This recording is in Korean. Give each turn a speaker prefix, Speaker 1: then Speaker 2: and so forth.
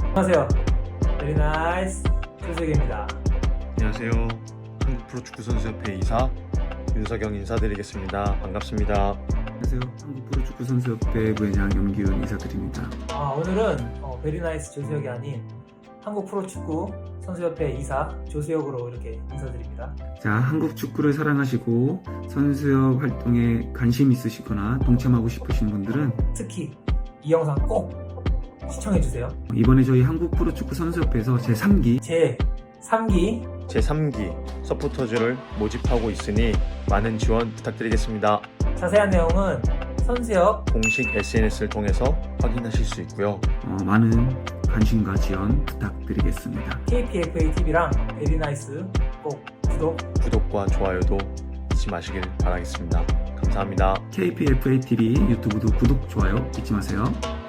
Speaker 1: 안녕하세요. 베리나이스 조세계입니다.
Speaker 2: 안녕하세요. 한국프로축구선수협회 이사 윤석영 인사드리겠습니다. 반갑습니다.
Speaker 3: 안녕하세요. 한국프로축구선수협회 부회장 염기훈 인사드립니다.
Speaker 1: 오늘은 베리나이스 조세혁이 아닌 한국프로축구 선수협회 이사 조세혁으로 이렇게 인사드립니다.
Speaker 3: 자, 한국 축구를 사랑하시고 선수협 활동에 관심 있으시거나 동참하고 싶으신 분들은
Speaker 1: 특히 이 영상 꼭 시청해주세요.
Speaker 3: 이번에 저희 한국프로축구선수협회에서 제3기
Speaker 2: 제3기 서포터즈를 모집하고 있으니 많은 지원 부탁드리겠습니다.
Speaker 1: 자세한 내용은 선수협
Speaker 2: 공식 SNS를 통해서 확인하실 수 있고요.
Speaker 3: 많은 관심과 지원 부탁드리겠습니다.
Speaker 1: KPFA TV랑 베리나이스 꼭
Speaker 2: 구독과 좋아요도 잊지 마시길 바라겠습니다. 감사합니다.
Speaker 3: KPFA TV 유튜브도 구독, 좋아요 잊지 마세요.